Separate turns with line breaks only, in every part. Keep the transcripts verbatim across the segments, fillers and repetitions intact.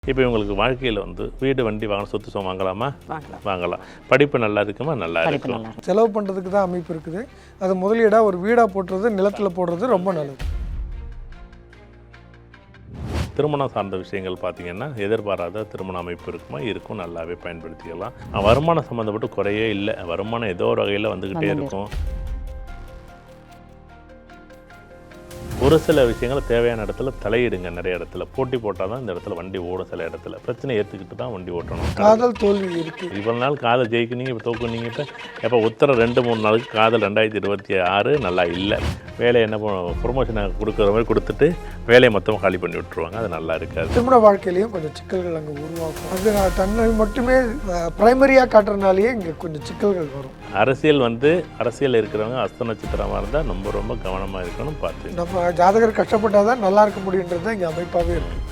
இப்போ இவங்களுக்கு வாழ்க்கையில் வந்து வீடு வண்டி வாங்கலாம், சொத்து சுகம் வாங்கலாமா?
வாங்கலாம்.
வாங்கலாம். படிப்பு நல்லா இருக்குமா? நல்லா இருக்கும்.
செலவு பண்ணுறதுக்கு தான் அமைப்பு இருக்குது. அது முதலீடாக ஒரு வீடாக போட்டுறது, நிலத்தில் போடுறது ரொம்ப நல்லது.
திருமணம் சார்ந்த விஷயங்கள் பார்த்தீங்கன்னா எதிர்பாராத திருமண அமைப்பு இருக்குமா? இருக்கும், நல்லாவே பயன்படுத்திக்கலாம். வருமானம் சம்மந்தப்பட்டு குறையே இல்லை. வருமானம் ஏதோ ஒரு வகையில் வந்துக்கிட்டே இருக்கும். ஒரு சில விஷயங்கள் தேவையான இடத்துல தலையிடுங்க. நிறைய இடத்துல போட்டி போட்டால் தான் இந்த இடத்துல வண்டி ஓடும். சில இடத்துல பிரச்சனை ஏற்றுக்கிட்டு தான் வண்டி ஓட்டணும்.
காதல் தோல்வி இருக்குது.
இவ்வளோ நாள் காதல் ஜெயிக்குனீங்க, இப்போ தோக்குனீங்க. இப்போ எப்போ உத்தர ரெண்டு மூணு நாளுக்கு காதல் ரெண்டாயிரத்தி இருபத்தி ஆறு நல்லா இல்லை. வேலையை என்ன பண்ணுவோம், ப்ரொமோஷனை கொடுக்குற மாதிரி கொடுத்துட்டு வேலையை மொத்தமாக காலி பண்ணி விட்டுருவாங்க. அது நல்லா இருக்காது.
திருமண வாழ்க்கையிலையும் கொஞ்சம் சிக்கல்கள் அங்கே உருவாக்கும். அது நான் தன்னை மட்டுமே பிரைமரியாக காட்டுறதுனாலேயே இங்கே கொஞ்சம் சிக்கல்கள் வரும்.
அரசியல் வந்து அரசியல் இருக்கிறவங்க அஸ்த நட்சத்திரமாக இருந்தால் ரொம்ப ரொம்ப கவனமாக இருக்கணும். பார்த்து
நம்ம ஜாதகர் கஷ்டப்பட்டால் தான் நல்லா இருக்க முடியுன்றது தான் இங்கே அமைப்பாகவே இருக்குது.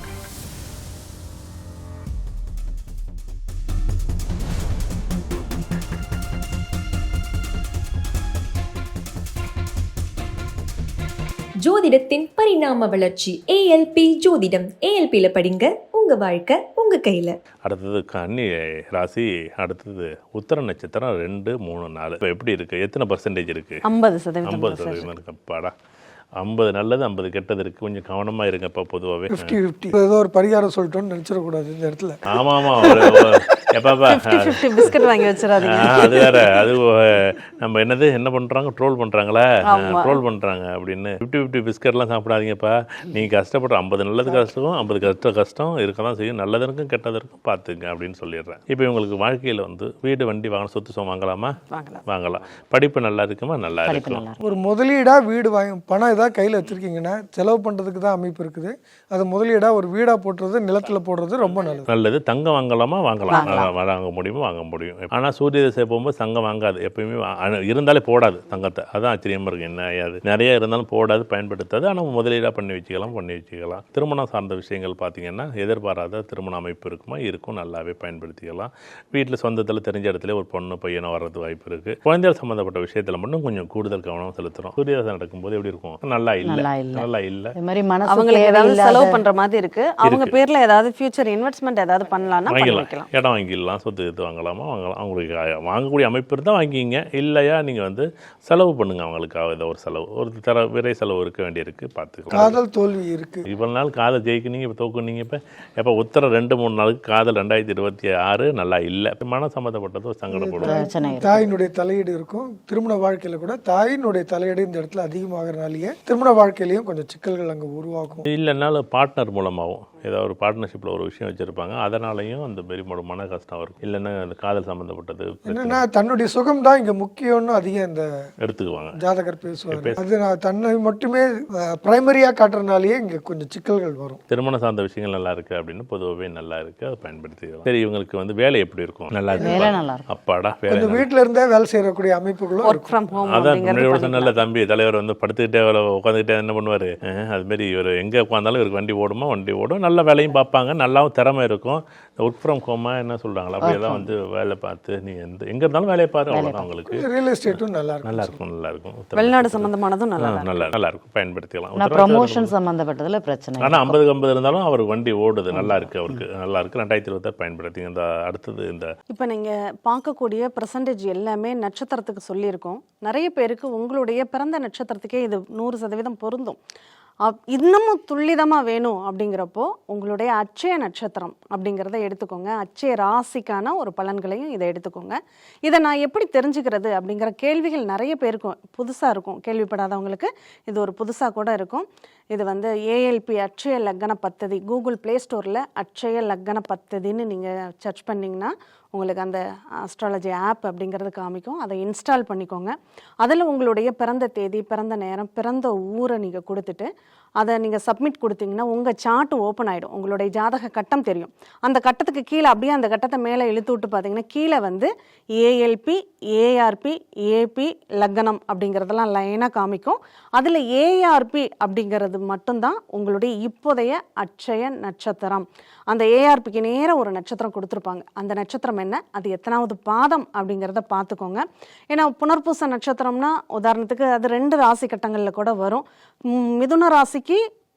ஜோதிடத்தின் பரிணாம வளர்ச்சி ஏஎல்பி ஜோதிடம். ஏஎல்பியில படிங்க, உங்க வாழ்க்கை உங்க கையில.
அடுத்தது கன்னி ராசி, அடுத்தது உத்தர நட்சத்திரம் ரெண்டு மூணு நாலு. இப்போ எப்படி இருக்கு? எத்தனை பர்சன்டேஜ் இருக்கு?
ஐம்பது சதவீதம்
ஐம்பது சதவீதம் இருக்கு. அப்பாடா, ஐம்பது நல்லது ஐம்பது கெட்டது இருக்குது. கொஞ்சம் கவனமாக இருங்கப்பா. பொதுவாகவே
ஃபிஃப்டி ஃபிஃப்டி ஏதோ ஒரு பரிகாரம் சொல்லிட்டோன்னு நினச்சிடக்கூடாது இந்த இடத்துல.
ஆமாம் ஆமாம். எப்பாப்பா
பிஸ்கட் வாங்கி வச்சிடாதீங்க.
அது வேற. அது நம்ம என்னது என்ன பண்ணுறாங்க, ட்ரோல் பண்ணுறாங்களா? ட்ரோல் பண்ணுறாங்க அப்படின்னு ஃபிஃப்டி ஃபிஃப்டி பிஸ்கட்லாம் சாப்பிடாதீங்கப்பா. நீங்கள் கஷ்டப்படுற ஐம்பது நல்லது கஷ்டம், ஐம்பது கஷ்ட கஷ்டம் இருக்க தான் செய்யும். நல்லதற்கும் கெட்டதற்கும் பார்த்துங்க அப்படின்னு சொல்லிடுறேன். இப்போ இவங்களுக்கு வாழ்க்கையில் வந்து வீடு வண்டி வாங்கலாம், சொத்து சுகம் வாங்கலாமா?
வாங்கலாம்.
வாங்கலாம். படிப்பு நல்லா இருக்குமா? நல்லா இருக்கும்.
ஒரு முதலீடாக வீடு வாங்கி பணம் ஏதாவது கையில் வச்சுருக்கீங்கன்னா செலவு பண்ணுறதுக்கு தான் அமைப்பு இருக்குது. அது முதலீடாக ஒரு வீடாக போட்டுறது, நிலத்தில் போடுறது ரொம்ப நல்லது.
நல்லது. தங்கம் வாங்கலாமா? வாங்கலாம். வாங்க முடியுமோ வாங்க முடியும். ஆனால் சூரிய திசை போகும்போது தங்கம் வாங்காது. எப்பயுமே இருந்தாலே போடாது தங்கத்தை. அதான் ஆச்சரியமாக இருக்குது. என்ன ஆயாது, நிறைய இருந்தாலும் போடாது, பயன்படுத்தாது. ஆனால் முதலீடாக பண்ணி வச்சுக்கலாம் பண்ணி வச்சுக்கலாம். திருமணம் சார்ந்த விஷயங்கள் பார்த்தீங்கன்னா எதிர்பாராத திருமண அமைப்பு இருக்குமா? இருக்கும், நல்லாவே பயன்படுத்திக்கலாம். வீட்டில் சொந்தத்தில் தெரிஞ்ச இடத்துல ஒரு பொண்ணு பையனை வர்றது வாய்ப்பு இருக்குது. குழந்தைகள் சம்மந்தப்பட்ட விஷயத்தில் மட்டும் கொஞ்சம் கூடுதல் கவனம் செலுத்துகிறோம். சூரிய திசை நடக்கும்போது எப்படி இருக்கும்? நல்லா இல்லை, நல்லா இல்லை.
அவங்களுக்கு ஏதாவது செலவு பண்ற மாதிரி இருக்கு. அவங்க பேர்ல ஏதாவது ஃபியூச்சர் இன்வெஸ்ட்மெண்ட் ஏதாவது பண்ணலாம்னா பண்ணிக்கலாம்.
இடம் வாங்கிடலாம், சொத்து எடுத்து வாங்கலாமா? வாங்கலாம். அவங்களுக்கு வாங்கக்கூடிய அமைப்பு இருந்தால் வாங்கிங்க. இல்லையா நீங்கள் வந்து செலவு பண்ணுங்க. அவங்களுக்காக ஏதோ ஒரு செலவு, ஒரு தர விரை செலவு இருக்க வேண்டியிருக்கு. பார்த்துக்கலாம்.
காதல் தோல்வி இருக்குது.
இவ்வளோ நாள் காதல் ஜெயிக்குனீங்க, இப்போ தோக்குனீங்க. இப்போ எப்போ உத்தர ரெண்டு மூணு நாளுக்கு காதல் ரெண்டாயிரத்தி இருபத்தி ஆறு நல்லா இல்லை. மனம் சம்மந்தப்பட்டது ஒரு சங்கடப்படும்.
தாயினுடைய தலையீடு இருக்கும். திருமண வாழ்க்கையில் கூட தாயினுடைய தலையீடு இந்த இடத்துல அதிகமாகறனாலேயே திருமண வாழ்க்கையிலையும் கொஞ்சம் சிக்கல்கள் அங்கே உருவாகும்.
இல்லைனாலும் பார்ட்னர் மூலமாகவும் ஏதாவது ஒரு பார்ட்னர்ஷிப்பில் ஒரு விஷயம் வச்சுருப்பாங்க. அதனாலையும் அந்த பெரிய மன கஷ்டம் இருக்கும். இல்லைன்னா அந்த காதல் சம்மந்தப்பட்டது
என்னன்னா தன்னுடைய சுகம் தான் இங்கே முக்கியம்னு அதிகம் இந்த
எடுத்துக்குவாங்க.
ஜாதகர் பேசுவாங்க. அது நான் தன்னை மட்டுமே பிரைமரியாக காட்டுறதுனாலேயே இங்கே கொஞ்சம் சிக்கல்கள் வரும்.
திருமணம் சார்ந்த விஷயங்கள் நல்லா இருக்குது அப்படின்னு பொதுவாகவே நல்லா இருக்குது. அதை பயன்படுத்திக்கலாம். சரி, இவங்களுக்கு வந்து வேலை எப்படி இருக்கும்? நல்லா இருக்கு. அப்பாடா, வேலை
வீட்டில் இருந்தே வேலை செய்யக்கூடிய அமைப்புகளும்
அதான் முன்னாடி சொன்ன தம்பி தலைவர் வந்து படுத்துக்கிட்டே உட்காந்துக்கிட்டே என்ன பண்ணுவார்? அதுமாரி இவர் எங்கே உட்காந்தாலும் இவருக்கு வண்டி ஓடுமா? வண்டி ஓடும். நல்ல வேலையும் பார்ப்பாங்க, நல்லாவும் திறமை இருக்கும். ஒர்க் ஃப்ரம் ஹோமா என்ன சொல்கிறாங்களா? அப்படியே தான் வந்து வேலை பார்த்து நீ எந்த எங்கே இருந்தாலும் வேலையை பாரு. அவ்வளோதான். அவங்களுக்கு
ரியல் எஸ்டேட்டும் நல்லா இருக்கும்.
நல்லா இருக்கும் நல்லா இருக்கும்.
வெளிநாடு சம்பந்தமானதும் நல்லா
நல்லா நல்லா இருக்கும். பயன்படுத்திக்கலாம்.
ப்ரமோஷன் சம்பந்தப்பட்டதுல பிரச்சனை.
ஆனால் ஐம்பதுக்கு ஐம்பது இருந்தாலும் அவருக்கு வண்டி ஓடுது. நல்லா இருக்குது. அவருக்கு நல்லா இருக்குது. ரெண்டாயிரத்தி இருபத்தாறு பயன்படுத்தி. இந்த அடுத்தது இந்த இப்போ நீங்கள் பார்க்கக்கூடிய பர்சன்டேஜ் எல்லாமே நட்சத்திரத்துக்கு சொல்லியிருக்கோம். நிறைய பேருக்கு உங்களுடைய பிறந்த நட்சத்திரத்துக்கே இது நூறு சதவீதம் பொருந்தும். இன்னமும் துல்லிதமாக வேணும் அப்படிங்கிறப்போ உங்களுடைய அட்சய நட்சத்திரம் அப்படிங்கிறத எடுத்துக்கோங்க. அட்சய ராசிக்கான ஒரு பலன்களையும் இதை எடுத்துக்கோங்க. இதை நான் எப்படி தெரிஞ்சுக்கிறது அப்படிங்கிற கேள்விகள் நிறைய பேருக்கும் புதுசாக இருக்கும். கேள்விப்படாதவங்களுக்கு இது ஒரு புதுசாக கூட இருக்கும். இது வந்து ஏஎல்பி அட்சய லக்கண பத்ததி கூகுள் ப்ளே ஸ்டோரில் அட்சய லக்கண பத்ததின்னு நீங்கள் சர்ச் பண்ணிங்கன்னா உங்களுக்கு அந்த அஸ்ட்ராலஜி ஆப் அப்படிங்கிறது காமிக்கும். அதை இன்ஸ்டால் பண்ணிக்கோங்க. அதில் உங்களுடைய பிறந்த தேதி, பிறந்த நேரம், பிறந்த ஊரை நீங்கள் கொடுத்துட்டு அதை நீங்கள் சப்மிட் கொடுத்தீங்கன்னா உங்கள் சார்ட்டு ஓப்பன் ஆகிடும். உங்களுடைய ஜாதக கட்டம் தெரியும். அந்த கட்டத்துக்கு கீழே அப்படியே அந்த கட்டத்தை மேலே இழுத்து விட்டு பார்த்தீங்கன்னா கீழே வந்து ஏஎல்பி, ஏஆர்பி, ஏபி, லக்னம் அப்படிங்கிறதெல்லாம் லைனாக காமிக்கும். அதில் ஏஆர்பி அப்படிங்கிறது மட்டும்தான் உங்களுடைய இப்போதைய அட்சய நட்சத்திரம். அந்த ஏஆர்பிக்கு நேராக ஒரு நட்சத்திரம் கொடுத்துருப்பாங்க. அந்த நட்சத்திரம் என்ன, அது எத்தனாவது பாதம் அப்படிங்கிறத பார்த்துக்கோங்க. ஏன்னா புனர்பூச நட்சத்திரம்னா உதாரணத்துக்கு அது ரெண்டு ராசி கட்டங்களில் கூட வரும். மிதுன ராசிக்கு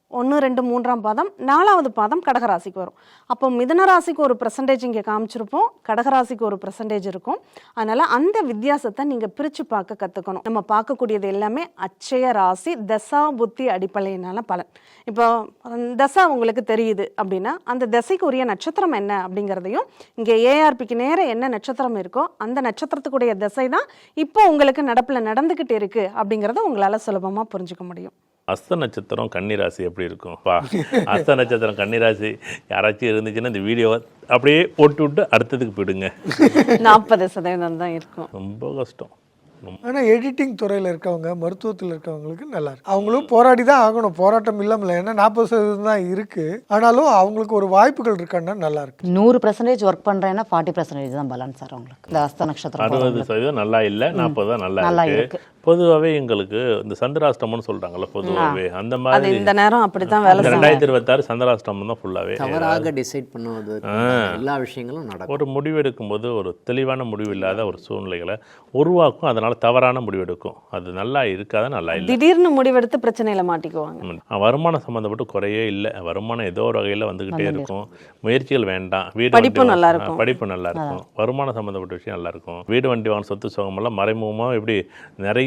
ஒன்று ரெண்டு மூன்றாம் பாதம் நாலாவது பாதம் கடகராசிக்கு வரும். அப்போ மிதுன ராசிக்கு ஒரு பெர்சன்டேஜ் இங்கே காமிச்சிருப்போம், கடகராசிக்கு ஒரு பெர்சன்டேஜ் இருக்கும். அதனால அந்த வித்தியாசத்தை நீங்கள் பிரித்து பார்க்க கற்றுக்கணும். நம்ம பார்க்கக்கூடியது எல்லாமே அட்சய ராசி தசா புத்தி அடிப்படையினால பலன். இப்போ தசா உங்களுக்கு தெரியுது அப்படின்னா அந்த தசைக்கு உரிய நட்சத்திரம் என்ன அப்படிங்கிறதையும், இங்கே ஏஆர்பிக்கு நேரம் என்ன நட்சத்திரம் இருக்கோ அந்த நட்சத்திரத்துக்குடைய தசை தான் இப்போ உங்களுக்கு நடப்பில் நடந்துக்கிட்டு இருக்கு அப்படிங்கிறத உங்களால் சுலபமாக புரிஞ்சுக்க முடியும்.
அஸ்த நட்சத்திரம் கன்னிராசி எப்படி இருக்கும் பா? அஸ்த நட்சத்திரம் கன்னிராசி யாராச்சும் இருந்துச்சுன்னா இந்த வீடியோவை அப்படியே போட்டு விட்டு அடுத்ததுக்கு போயிடுங்க.
நாற்பது சதவீதம் தான் இருக்கும்.
ரொம்ப கஷ்டம்.
ஆனால் எடிட்டிங் துறையில் இருக்கவங்க, மருத்துவத்தில் இருக்கவங்களுக்கு நல்லா இருக்கு. அவங்களும் போராடி தான் ஆகணும், போராட்டம் இல்லாமல். ஏன்னா நாற்பது சதவீதம் தான் இருக்கு, ஆனாலும் அவங்களுக்கு ஒரு வாய்ப்புகள் இருக்கான்னா நல்லா இருக்கு.
நூறு பர்சன்டேஜ் ஒர்க் பண்றேன்னா ஃபார்ட்டி பர்சன்டேஜ் தான் பலன் சார் உங்களுக்கு. இந்த அஸ்த நட்சத்திரம்
அறுபது சதவீதம் நல்லா இல்லை, நாற்பது தான் நல்லா
நல்லா
இருக்கு.
இருக்கு.
பொதுவாகவே எங்களுக்கு இந்த சந்திராஷ்டமம்னு சொல்றாங்கல்ல, பொதுவாகவே அந்த மாதிரி
இந்த நேரம் அப்படித்தான் வேலை செய்யும்.
ரெண்டாயிரத்தி இருபத்தாறு சந்திராஷ்டமம் தான் ஃபுல்லாவே.
தவறாக டிசைட் பண்ணுவது எல்லா விஷயங்களும் நடக்கும்.
ஒரு முடிவெடுக்கும் போது ஒரு தெளிவான முடிவு இல்லாத ஒரு சூழ்நிலைகளை உருவாக்கும், அதனால தவறான முடிவெடுக்கும். அது நல்லா இருக்காத நல்லா இல்லை.
திடீர்னு முடிவெடுத்து பிரச்சனையில மாட்டிக்குவாங்க.
வருமானம் சம்மந்தப்பட்டு குறையே இல்லை, வருமானம் ஏதோ ஒரு வகையில் வந்துகிட்டே இருக்கும். முயற்சிகள் வேண்டாம். வீடு
படிப்பு
வண்டி
நல்லா
வா-
இருக்கும்.
படிப்பு நல்லா இருக்கும். வருமானம் சம்மந்தப்பட்ட விஷயம் நல்லா இருக்கும். வீடு வண்டி வாங்க சொத்து சுகமெல்லாம் மறைமுகமாக எப்படி நிறைய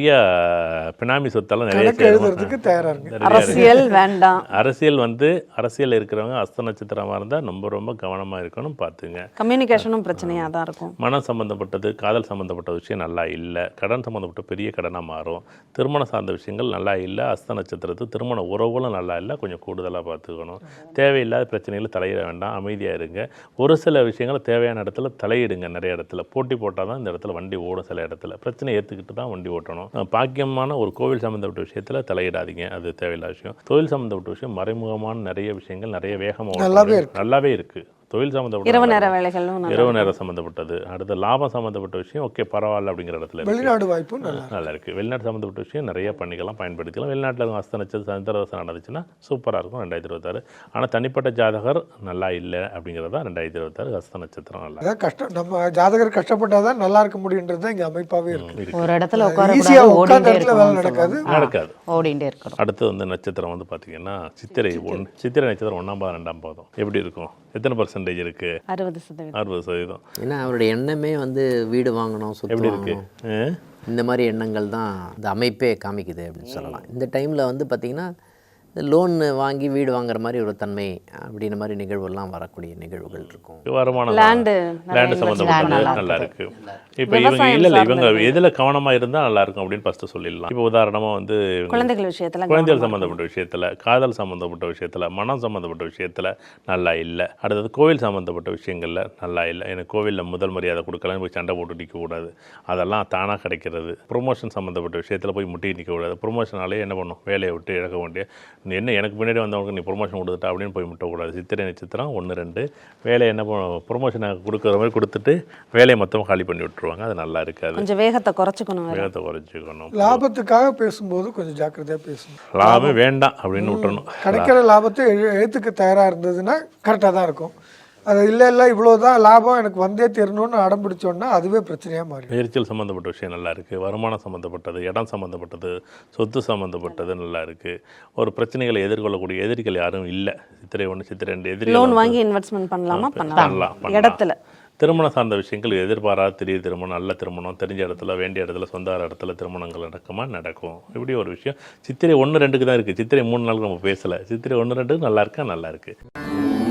பினாமி சொத்தெல்லாம் நிறைய
கணக்கு
சேரும்.
எழுதுறதுக்கு தயாரா இருக்கு.
நிறைய இருக்கு.
அரசியல் வேண்டாம்.
அரசியல் வந்து அரசியல் இருக்கிறவங்க அஸ்த நட்சத்திரமாக இருந்தால் ரொம்ப ரொம்ப கவனமாக இருக்கணும், பார்த்துங்க.
கம்யூனிகேஷனும் பிரச்சனையாக தான் இருக்கும்.
மனம் சம்மந்தப்பட்டது, காதல் சம்மந்தப்பட்ட விஷயம் நல்லா இல்லை. கடன் சம்மந்தப்பட்ட பெரிய கடனாக மாறும். திருமணம் சார்ந்த விஷயங்கள் நல்லா இல்லை. அஸ்த நட்சத்திரத்துக்கு திருமண உறவுகளும் நல்லா இல்லை, கொஞ்சம் கூடுதலாக பார்த்துக்கணும். தேவையில்லாத பிரச்சனைகளை தலையிட வேண்டாம், அமைதியாக இருங்க. ஒரு சில விஷயங்கள் தேவையான இடத்துல தலையிடுங்க. நிறைய இடத்துல போட்டி போட்டால் தான் இந்த இடத்துல வண்டி ஓடும். சில இடத்துல பிரச்சனை ஏற்றுக்கிட்டு தான் வண்டி ஓட்டணும். பாக்கியமான ஒரு கோவில் சம்மந்தப்பட்ட விஷயத்தில் தலையிடாதீங்க, அது தேவையில்லாத விஷயம். தொழில் சம்மந்தப்பட்ட விஷயம் மறைமுகமான நிறைய விஷயங்கள் நிறைய வேகமாக
நல்லாவே இருக்கு.
நல்லாவே இருக்குது. தொழில் சம்மந்தப்பட்ட
இரவு நேர வேலைகளும் நல்லா
இரவு நேரம் சம்மந்தப்பட்டது. அடுத்த லாபம் சம்மந்தப்பட்ட விஷயம் ஓகே பரவாயில்ல அப்படிங்கிற இடத்துல இருக்கு.
வெளிநாடு வாய்ப்பும் நல்லா இருக்கு.
நல்லா இருக்குது. வெளிநாட்டு சம்மந்தப்பட்ட விஷயம் நிறைய பண்ணிக்கலாம், பயன்படுத்திக்கலாம். வெளிநாட்டில் அஸ்த நட்சத்திரம் சந்திரதசை நடந்துச்சுன்னா சூப்பராக இருக்கும் ரெண்டாயிரத்தி இருபத்தாறு. ஆனால் தனிப்பட்ட ஜாதகர் நல்லா இல்லை அப்படிங்கிறது தான் ரெண்டாயிரத்தி இருபத்தாறு அஸ்த நட்சத்திரம் நல்லா
அதான் கஷ்டம். நம்ம ஜாதகர் கஷ்டப்பட்டாதான் நல்லா இருக்க முடியுன்றது தான் இங்கே அமைப்பாகவே இருக்கு.
இருக்கு.
ஒரு இடத்துல உட்கார
ஈஸியா
கூடாது,
உட்கார்ந்த
ஓடிட்டே
இடத்துல வேலை
இருக்கணும்
நடக்காது.
சொல்லுவாங்க.
நடக்காது.
ஓடிட்டே இருக்கணும்.
அடுத்து வந்து நட்சத்திரம் வந்து பார்த்தீங்கன்னா சித்திரை ஒன் சித்திரை நட்சத்திரம் ஒன்றாம் பாதம் ரெண்டாம் பாதம் எப்படி இருக்கும்? எத்தனை பர்சன்டேஜ் இருக்கு?
அறுபது சதவீதம்.
அறுபது சதவீதம்.
ஏன்னா அவருடைய எண்ணமே வந்து வீடு வாங்கணும், சொத்து
எப்படி இருக்கு?
வாங்கணும், இந்த மாதிரி எண்ணங்கள் தான் இந்த அமைப்பே காமிக்குது அப்படின்னு சொல்லலாம். இந்த டைமில் வந்து பார்த்திங்கன்னா இந்த லோன் வாங்கி வீடு வாங்குற மாதிரி ஒரு தன்மை அப்படின்ற மாதிரி நிகழ்வுலாம் வரக்கூடிய நிகழ்வுகள் இருக்கும்.
வருமானம்
லேண்டு
லேண்டு சம்மந்தப்பட்டது நல்லா இருக்கு. இப்போ இவங்க இல்லை இல்லை இவங்க எதில் கவனமாக இருந்தால் நல்லா இருக்கும் அப்படின்னு ஃபஸ்ட்டு சொல்லிடலாம். இப்போ உதாரணமாக வந்து இவங்க
குழந்தைகள் விஷயத்துல
குழந்தைகள் சம்மந்தப்பட்ட விஷயத்தில், காதல் சம்மந்தப்பட்ட விஷயத்தில், மனம் சம்மந்தப்பட்ட விஷயத்தில் நல்லா இல்லை. அடுத்தது கோவில் சம்மந்தப்பட்ட விஷயங்களில் நல்லா இல்லை. எனக்கு கோவிலில் முதல் மரியாதை கொடுக்கலாம், போய் சண்டை போட்டு நிற்கக்கூடாது, அதெல்லாம் தானாக கிடைக்கிறது. ப்ரொமோஷன் சம்மந்தப்பட்ட விஷயத்தில் போய் முட்டி நிற்கக்கூடாது. ப்ரொமோஷனாலே என்ன பண்ணும், வேலையை விட்டு இழக்க வேண்டிய என்ன எனக்கு பின்னாடி வந்தவங்களுக்கு நீ ப்ரொமோஷன் கொடுத்துட்டா அப்படின்னு போய் முட்டக்கூடாது. சித்திரை நட்சத்திரம் ஒன்று ரெண்டு வேலையை என்ன பண்ணும், ப்ரொமோஷனை கொடுக்குற மாதிரி கொடுத்துட்டு வேலையை மொத்தமாக காலி பண்ணி விட்டுருவாங்க. அது நல்லா இருக்காது.
கொஞ்சம் வேகத்தை குறைச்சிக்கணும்.
வேகத்தை குறைச்சிக்கணும்.
லாபத்துக்காக பேசும்போது கொஞ்சம் ஜாக்கிரதையா பேசணும்.
லாபம் வேண்டாம் அப்படின்னு விட்டுறணும்.
கிடைக்கிற லாபத்தை எழு- எழுத்துக்க தயாரா இருந்ததுன்னா கரெக்டாக தான் இருக்கும். அது இல்லை இல்லை இவ்வளோதான் லாபம் எனக்கு வந்தே தெரியணும்னு அடம் பிடிச்சோன்னா அதுவே பிரச்சனையாக மாறி.
முயற்சிகள் சம்மந்தப்பட்ட விஷயம் நல்லா இருக்குது. வருமானம் சம்மந்தப்பட்டது, இடம் சம்மந்தப்பட்டது, சொத்து சம்மந்தப்பட்டது நல்லா இருக்குது. ஒரு பிரச்சனைகளை எதிர்கொள்ளக்கூடிய எதிரிகள் யாரும் இல்லை. சித்திரை ஒன்று சித்திரை ரெண்டு எதிரிகள்
லோன்
வந்து
வாங்கி இன்வெஸ்ட்மெண்ட் பண்ணலாமா?
பண்ணலாம்,
பண்ணலாம்.
பண்ணலாம்.
இடத்துல
திருமணம் சார்ந்த விஷயங்கள் எதிர்பாராத திடீர் திருமணம், நல்ல திருமணம், தெரிஞ்ச இடத்துல வேண்டிய இடத்துல சொந்த இடத்துல திருமணங்கள் நடக்குமா நடக்கும். இப்படி ஒரு விஷயம் சித்திரை ஒன்று ரெண்டுக்கு தான் இருக்குது. சித்திரை மூணு நாளுக்கு நம்ம பேசலை. சித்திரை ஒன்று ரெண்டுக்கு நல்லா இருக்கா நல்லா இருக்குது.